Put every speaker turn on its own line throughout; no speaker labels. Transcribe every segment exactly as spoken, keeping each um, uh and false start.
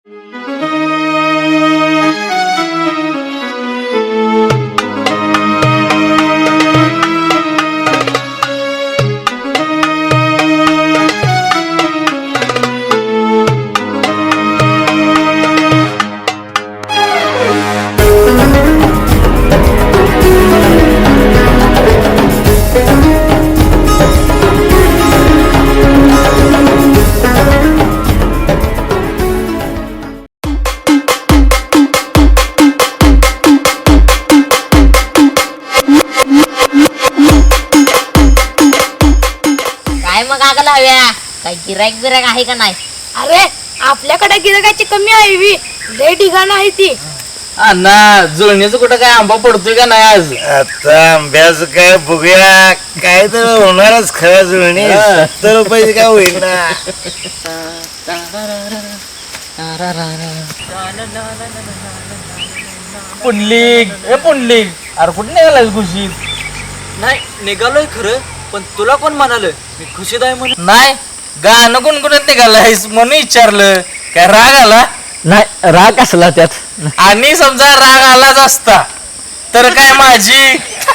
काय गिरायक बिरायक आहे का नाही?
अरे आपल्याकडे गिरायकाची कमी आहे वी लय ठिकाण आहे ती.
अण्णा जुळणीचं कुठं काय आंबा पडतोय का नाही आज?
आता आंब्याचं काय बघूया, काय तर होणारच खरं जुळणी. सत्तर रुपयाची काय होईल ना.
पुंडलिक ए पुंडलिक, अरे कुठे निघालाय खुशीत?
नाही निघालोय खरं, पण तुला कोण म्हणाल मी खुशीत आहे म्हणून?
नाही, गाणं गुणगुणत निघालायस म्हणून विचारलं. काय राग आला?
नाही राग असला त्यात.
आणि समजा राग आलाच असता तर काय माझी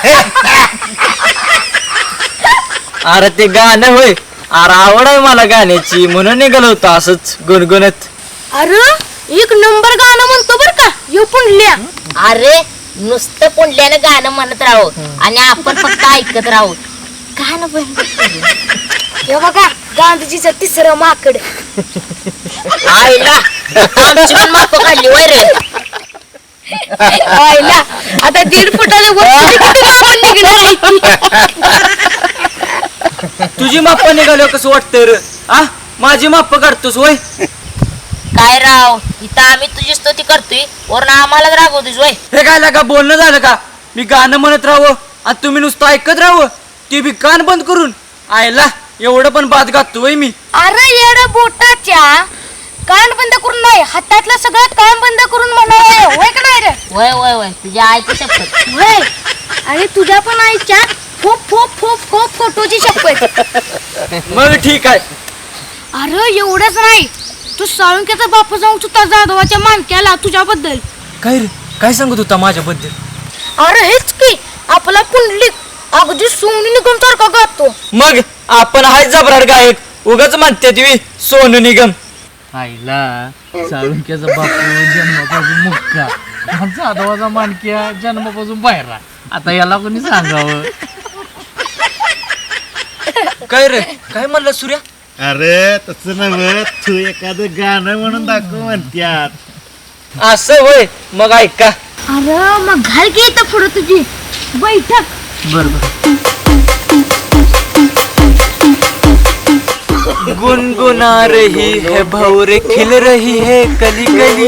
अरे ते गाणं होय, अरे आवड आहे मला गाण्याची म्हणून निघालो होतो असंच गुणगुणत.
अरे एक नंबर गाणं म्हणतो बर का यो पुंडल्या.
अरे नुसतं पुंडल्यानं गाणं म्हणत राहू आणि आपण फक्त ऐकत राहू. गाणं बंद करू.
हे बघा गांधीजीचं तिसरं माकड.
आईला आमची पण माप काढली वय रे.
आईला आता दीड फुटाच्या वर किती माकड निघणार आहे.
तुझी माप्प निघालो कसं वाटतं रे? आ माझी माप्प काढतोस वय?
काय राव, इथं आम्ही तुझी स्तुती करतोय वरून आम्हालाच रागवतोय वय.
हे काय लागा बोलणं झालं का? मी गाणं म्हणत राहावं आणि तुम्ही नुसतं ऐकत राहावं, ते बी कान बंद करून. आयला एवढं पण बाद गातोय मी.
अरे येड बोटाच्या कान बंद करून नाही, हातातलं सगळं कान बंद करून म्हणावं होय का नाही रे?
वय वय वय तुझ्या आईची शपथ.
होय आणि तुझ्या पण आईच्या खूप खूप खूप खूप फोटोची शपथ.
मग ठीक आहे.
अरे एवढंच नाही, तू साळुंक्याचा बापू जाऊन सुद्धा जाधवाच्या मानक्याला तुझ्याबद्दल.
काय रे काय सांगत होता माझ्याबद्दल?
अरे हेच की आपला पुंडलिक अगदी सोनू निगम सारखा गातो.
मग आपण हाय जबराट गायक, उगाच म्हणते तुम्ही सोनू निगम.
आईला साळुंक्याचा बापू जन्मापासून मुक्का, जाधवाचा मानक्या जन्मापासून बाहेर. आता याला कोणी सांगावं?
काय रे काय म्हणलं सूर्या?
अरे तसं नव्हे, तू एखादं गाणं म्हणून दाखव म्हणत्यात.
असं होय, मग ऐका.
अरे मग घाल की इथं पुढं तुझी बैठक.
गुनगुना रही है भौरे खिल रही है कली कली.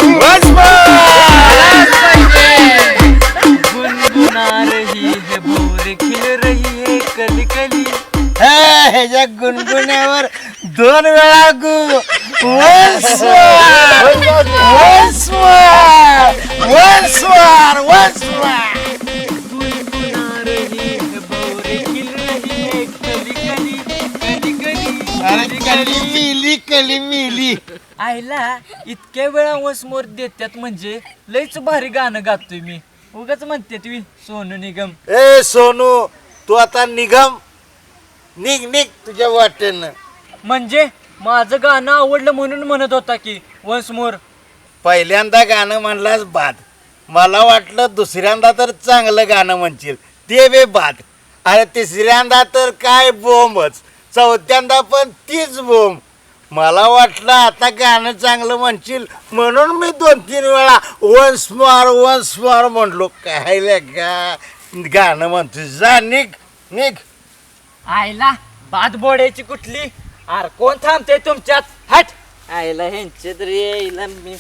गुनगुना रही है भौरे खिल रही है कली कली.
ह्याच्या गुणगुण्यावर दोन वेळा गु. Once more, once more, once more, once more.
गुनगुना रही है भौरे खिल रही है कली कली कली कली.
अरे कली मिली, कली मिली.
आईला इतक्या वेळा वसमोर देतात म्हणजे लयच भारी गाणं गातोय मी. उगाच म्हणते तुम्ही सोनू निगम.
ए सोनू, तू आता निगम निघ निघ तुझ्या वाटेनं.
म्हणजे माझं गाणं आवडलं म्हणून म्हणत होता की वन्स मोर.
पहिल्यांदा गाणं म्हणलास बाद, मला वाटलं दुसऱ्यांदा तर चांगलं गाणं म्हणशील, ते बे बाद. अरे तिसऱ्यांदा तर काय बोंबच, चौथ्यांदा पण तीच बोंब. मला वाटलं आता गाणं चांगलं म्हणशील म्हणून मी दोन तीन वेळा वन्स मोर वन्स मोर म्हणलो. काय का गाणं म्हणतो, जा निघ निघ.
आईला बाद बोडायची कुठली? अरे कोण थांबते तुमच्यात? हट. आईला ह्यांचे तरी यायला मी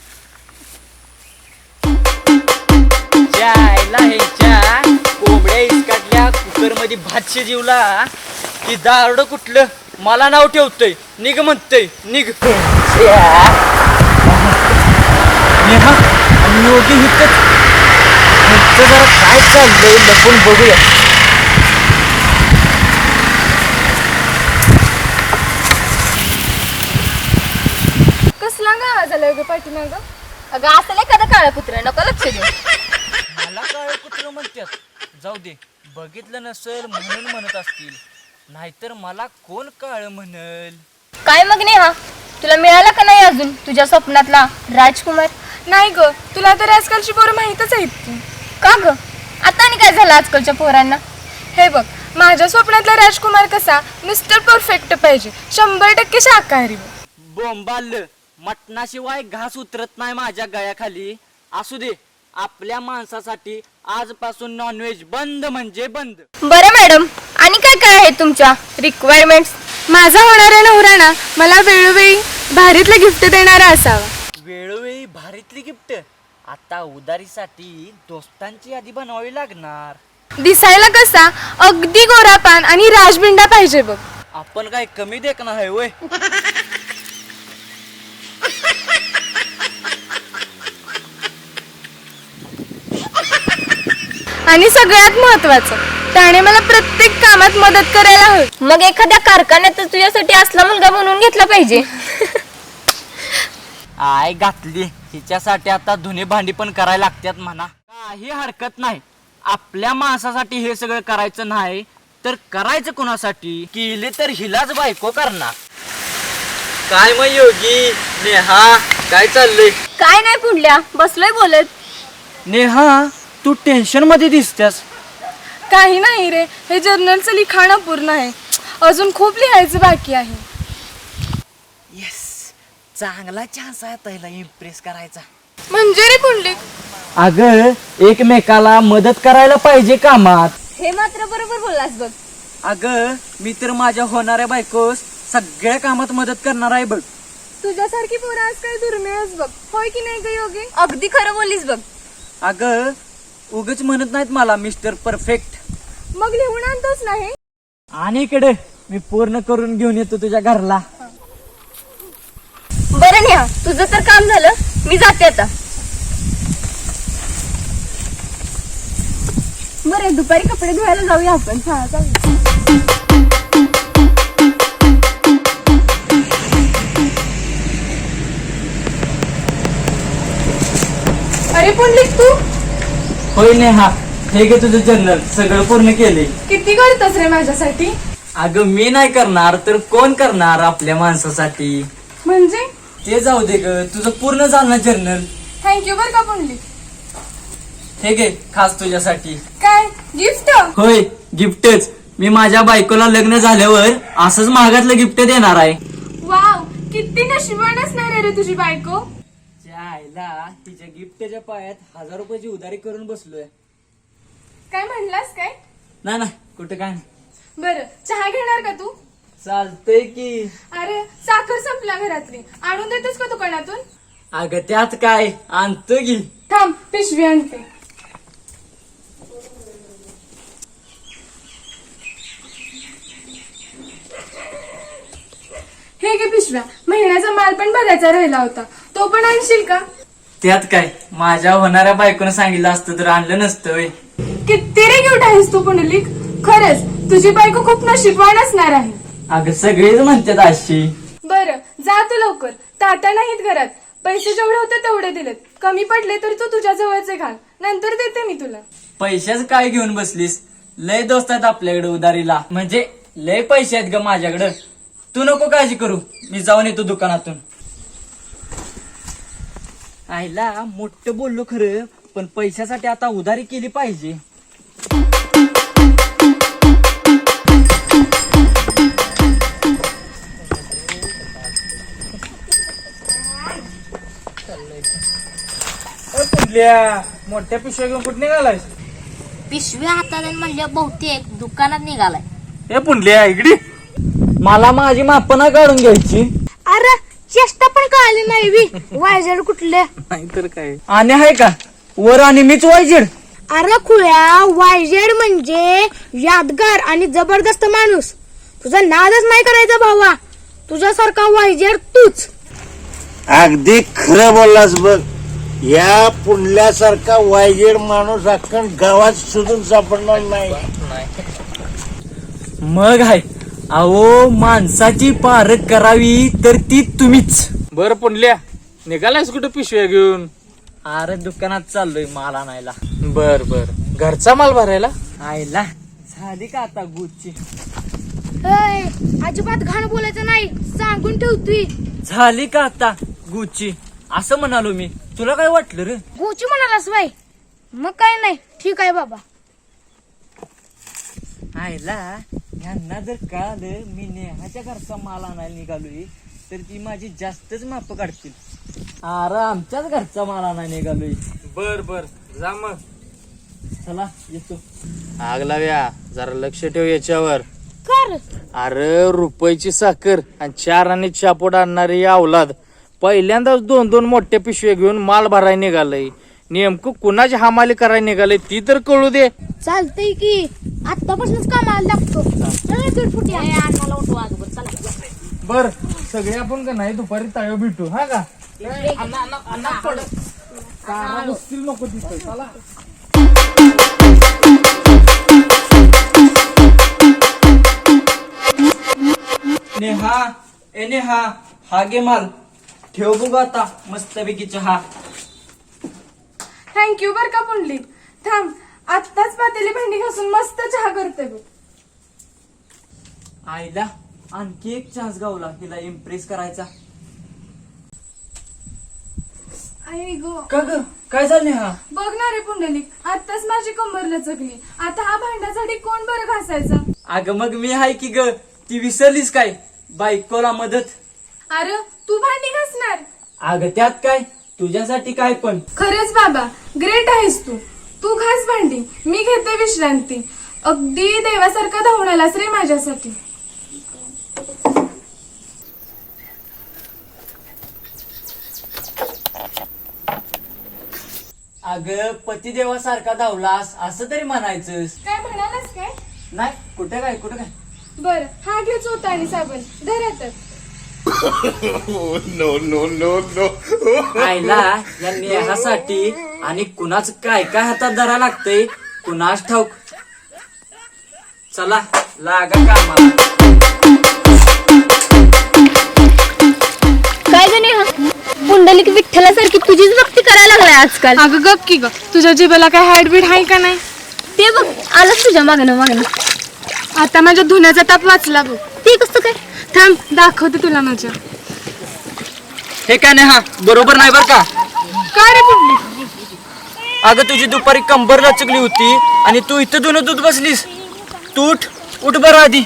आईला ह्यांच्या कोंबड्या इसकाटल्या कुकर मध्ये भात शिजवला की दारड कुठलं मला नाव ठेवतय. निघ म्हणतय निघ. नेहा आणि योगी हितच ह्यांचं जरा काय चाललंय लपून बघूया.
कसला गा झालं ग पाठीमाग?
अगं असं एखादं काळं कुत्र नको लक्ष दे.
मला काय कुत्र म्हणतात, जाऊ दे, बघितलं नसेल म्हणून म्हणत असतील, नाहीतर मला कोण काळ म्हणल.
काय मग नेहा, तुला मिळाला का नाही अजून तुझ्या स्वप्नातला राजकुमार? नाही ग, तुला तर आजकालची पोरं माहीतच आहेत की. का ग, आता आणि काय झालं आजकालच्या पोरांना? हे बघ, माझ्या स्वप्नातला राजकुमार कसा मिस्टर परफेक्ट पाहिजे, शंभर टक्के शाकाहारी.
बोंबाल, मटणाशिवाय घास उतरत नाही माझ्या गळ्याखाली. असू दे, आपल्या माणसासाठी आजपासून नॉनव्हेज बंद म्हणजे बंद.
बरं मॅडम, आणि काय काय आहे तुमच्या रिक्वायरमेंट्स? माझा होणारा नवरा ना मला वेळोवेळी भारीतलं गिफ्ट देणारा असावा.
वेळोवेळी भारीतली गिफ्ट? आता उदारीसाठी दोस्तांची यादी बनवावी लागणार.
दिसायला कसा अगदी गोरापान आणि राजबिंडा पाहिजे बघ.
आपण काय कमी देखना आहे वय?
आणि सगळ्यात महत्वाचं, त्याने मला प्रत्येक कामात मदत करायला हवी.
मग एखाद्या कारखान्यात तुझ्यासाठी असला मुलगा म्हणून घेतला पाहिजे.
आय घातली हिच्यासाठी आता धुणे भांडी पण करायला लागतात म्हणा. काही हरकत नाही, आपल्या माणसासाठी हे सगळं करायचं नाही तर करायचं कोणासाठी? केले तर हिलाच बायको करणार. काय मग योगी, नेहा काय चाललंय?
काय नाही पुढल्या, बसलोय बोलत.
नेहा, तू टेन्शन मध्ये दिसतेस.
काही नाही रे, हे जर्नलचं लिखाण पूर्ण आहे, अजून खूप लिहायचं बाकी आहे.
येस, चांगला चान्स आहे त्याला इम्प्रेस करायचा.
म्हणजे रे पुंडलिक,
अगं एकमेकाला मदत करायला पाहिजे कामात.
हे मात्र बरोबर बोललास बघ.
अगं मी तर माझ्या होणाऱ्या बायकोस सगळ्या कामात मदत करणार आहे बघ.
तुझ्यासारखी पोरं आज काही दुर्मिळच बघ, होय की नाही ग योगी? अगदी खरं बोललीस बघ.
अगं उगच म्हणत नाहीत मला मिस्टर परफेक्ट.
मग लिहून आणतोच नाही?
आणि इकडे मी पूर्ण करून घेऊन येतो तुझ्या घरला.
बरं नेहा, तुझं तर काम झालं, मी जाते आता. बरं, दुपारी कपडे धुवायला जाऊया आपण. हा जाऊया. अरे पुंडलिक, तू
होय नेहा, हे घे तुझं जर्नल, सगळं पूर्ण केले.
किती करतोस रे माझ्यासाठी?
अगं मी नाही करणार तर कोण करणार आपल्या माणसासाठी?
म्हणजे
ते जाऊ दे ग, तुझं पूर्ण झालं ना जर्नल.
थँक्यू बर का पुंडलिक.
हे घे खास तुझ्यासाठी.
काय गिफ्ट?
होय, गिफ्टच. मी माझ्या बायकोला लग्न झाल्यावर असंच महागातलं गिफ्ट देणार आहे.
वाव, किती नशिबान असणार आहे रे तुझी बायको.
आईला तिच्या गिफ्टच्या पायात हजार रुपयाची उधारी करून बसलोय.
काय म्हणलास काय?
नाही नाही, कुठं काय नाही.
बरं, चहा घेणार का तू?
चालतंय की.
अरे साखर संपला घरातली, आणून देतोस का दुकानातून?
अगं त्यात काय, आणतो की.
थांब, पिशवी आणते. हे घे पिशव्या, महिन्याचा माल पण भरायचा राहिला होता, तो पण आणशील का?
त्यात काय, माझ्या होणाऱ्या बायकोनं सांगितलं असतं तर आणलं नसतं व्हय.
किती रे क्यूट आहेस तू पुंडलिक, खरंच तुझी बायको खूप नशीबवान असणार आहे.
अगं सगळेच म्हणतात अशी.
बरं, जा तू लवकर, तात्या नाहीत घरात. पैसे जेवढे होते तेवढे दिलेत, कमी पडले तर तू तुझ्या जवळचे घाल, नंतर देते मी तुला.
पैशाच काय घेऊन बसलीस? लय दोस्त आहेत आपल्याकडे उधारीला, म्हणजे लय पैसे आहेत ग माझ्याकडं. तू नको काळजी करू, मी जाऊन येतो दुकानातून. आईला मोठं बोललो खरं, पण पैशासाठी आता उधारी केली पाहिजे. मोठ्या पिशव्या घेऊन कुठे निघालायस?
पिशव्या हातात म्हणल्या बहुतेक दुकानात निघालाय.
हे पुंडल्या इकडे.
मला माझी मापना काढून घ्यायची.
अरे चेष्टा पण कळाली नाही वी, वायझेड कुठले?
नाहीतर काय.
आणि आहे का वर आणि मीच वायजेड?
अरे खुळ्या, वायझेड म्हणजे यादगार आणि जबरदस्त माणूस. तुझा नादच नाही करायचा भावा, तुझ्यासारखा वायझेड तूच.
अगदी खरं बोललास बघ. या पुंडल्यासारखा वायजेड माणूस अख्खन गावात शोधून सापडणार नाही.
मग आहे, अहो माणसाची पारख करावी तर ती तुम्हीच.
बर पुंडल्या, निघालायस कुठं पिशव्या घेऊन?
अरे दुकानात चाललोय माल आणायला.
बर बर घरचा माल भरायला?
आईला झाली का आता गुच्ची?
अजिबात घाण बोलायचं नाही, सांगून ठेवतोय.
झाली का आता गुच्ची असं म्हणालो मी. तुला काय वाटलं रे?
गोची म्हणालास बाई, मग काय नाही, ठीक आहे बाबा.
आईला यांना जर कळालं मी नेहाच्या घरचा माल आणायला निघालोय तर ती माझी जास्तच माप काढतील. अरे आमच्याच घरचा माल आणायला निघालोय.
बर बर जा मग.
चला येतो.
आग लाव्या जरा लक्ष ठेव याच्यावर.
कर
अरे रुपयाची साखर आणि चार आणि चापोट आणणारी अवलाद पहिल्यांदाच दोन दोन मोठ्या पिशव्या घेऊन माल भरायला निघालय. नेमकं कुणाची हमाली करायला निघालय ती तर कळू दे.
चालतंय की, आतापासूनच कामाला लागतो. चला तुटफुटी आहे.
अन्नाला उठवा अगोदर चला.
बर सगळे आपण का नाही दुपारी तळ्यावर भेटू हा का? अन्ना- अन्ना- अन्ना पड. काना बसतील नको तिथे. चला.
नेहा ए नेहा हा घे माल ठेव बघू आता मस्तपैकी चहा.
थँक्यू बर का पुंडलिक. थांब, आत्ताच पातेली भांडी घासून मस्त चहा करते बघ.
आईला आणखी एक चान्स गावला हिला इम्प्रेस करायचा.
आई गो,
का ग काय झालं नेहा?
बघ ना रे पुंडलिक, आत्ताच माझी कंबर लचकली. आता हा भांड्यासाठी कोण बरं घासायचा?
अगं मग मी हाय की ग. ती विसरलीस काय बायकोला मदत?
अरे तू भांडी घासणार?
अगं त्यात काय, तुझ्यासाठी काय पण.
खरंच बाबा, ग्रेट आहेस तू. तू घास भांडी, मी घेते विश्रांती. अगदी देवासारखा धावून आलास रे माझ्यासाठी.
अगं पतिदेवासारखा धावलास असं तरी म्हणायचंस.
काय म्हणालास काय?
नाही कुठे काय कुठे काय.
बर, हा घे चोथा आणि साबण, धरा तर.
No no no no.
आईला या नेहासाठी आणि कुणाच काय काय हातात धरा लागतंय कुणाच ठाऊक. चला लागा कामाला.
काय ग नेहा, पुंडलिक विठ्ठलासारखी तुझीच भक्ती करायला लागलाय आजकाल. अगं गप की ग, तुझ्या जिभेला काय हार्टबीट आहे का नाही? ते बघ आलंच तुझ्या मागणं मागणं. आता माझ्या धुण्याचा ताप वाचला बघ. ते कसं काय? थांब दाखवते तुला माझ्या.
हे काय नेहा बरोबर नाही बर का?
काय रे पुंडलिक?
अगं तुझी दुपारी कंबर लचकली होती आणि तू इथं धुणं दूध बसलीस. तू उठ उठ बरं आधी.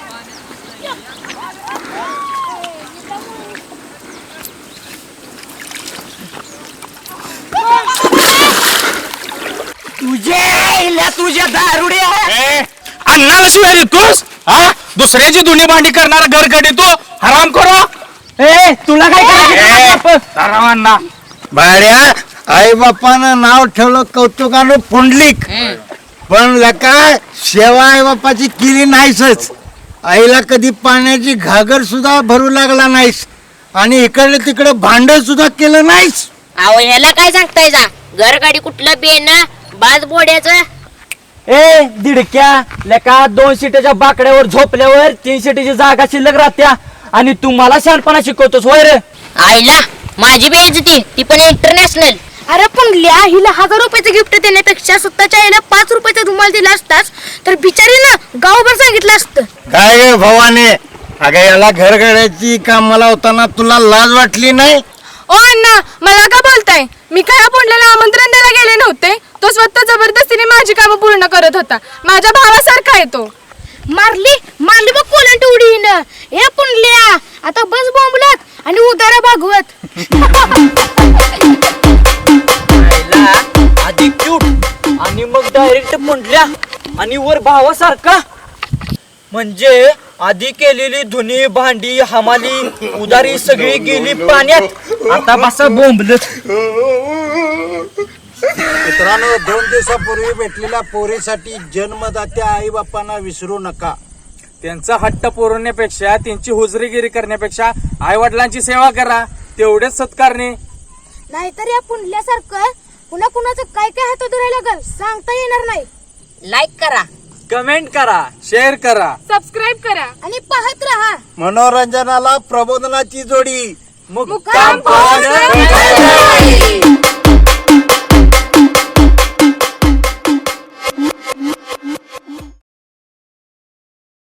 तुझ्या तुझ्या दारुड्या अन्नाला शिवाय देतोस हा? दुसऱ्याची धुणी भांडी करणारा घर कडे तू हराम करो.
ए तुला काय
अण्णा
भाड्या आई बापानं नाव ठेवलं कौतुकानं पुंडलिक, पण लका सेवा आई बापाची केली नाहीसच. आईला कधी पाण्याची घागर सुद्धा भरू लागला नाहीस आणि इकडे तिकडे भांड सुद्धा केलं नाहीस.
अहो ह्याला काय सांगताय जा? घर गाडी कुठलं बेन बाज बोड्याचं.
ए दिडक्या लेका दोन सीटाच्या बाकड्यावर झोपल्यावर तीन सीटाची जागा शिल्लक राहत्या आणि तू मला शहाणपणा शिकवतोस होय रे?
आईला माझी बेइज्जती, ती पण इंटरनॅशनल.
अरे पुंडल्या, हिला हजार रुपयाचं गिफ्ट देण्यापेक्षा स्वतःच्या आईला पाच रुपयाचा रुमाल दिला असतास तर बिचारीनं गावभर सांगितलं असतं.
काय गे भवाने, अगं याला घर गाड्याची कामाला होताना तुला लाज वाटली नाही?
ओ अण्णा, मला का बोलताय? मी काय पुंडल्याला आमंत्रण द्यायला गेले नव्हते. तो स्वतः जबरदस्तीने माझी कामं पूर्ण करत होता. माझ्या भावासारखा आहे तो. मारली मारली बघ कोलंट उडीनं. हे पुंडल्या, आता बस बोंबलत आणि उदारा भागवत.
आईला आधी क्यूट आणि मग डायरेक्ट म्हटल्या आणि वर भावासारखा. म्हणजे आधी केलेली धुनी भांडी हमाली उदारी सगळी गेली पाण्यात. आता बसा बोंबलत.
मित्रांनो, दोन दिवसापूर्वी भेटलेल्या पोरीसाठी जन्मदात्या आई बापांना विसरू नका.
त्यांचा हट्ट पुरवण्यापेक्षा त्यांची हुजरीगिरी करण्यापेक्षा आई वडिलांची सेवा करा, तेवढेच सत्कारणे.
नाहीतर या पुंडल्यासारखं पुन्हा कुणाचं काय काय हातात धरायला लागल सांगता येणार नाही.
लाईक करा,
कमेंट करा,
शेअर करा,
सबस्क्राईब करा आणि पाहत राहा
मनोरंजनाला प्रबोधनाची जोडी.
मुक्काम
मुक्काम पाहत
पाहत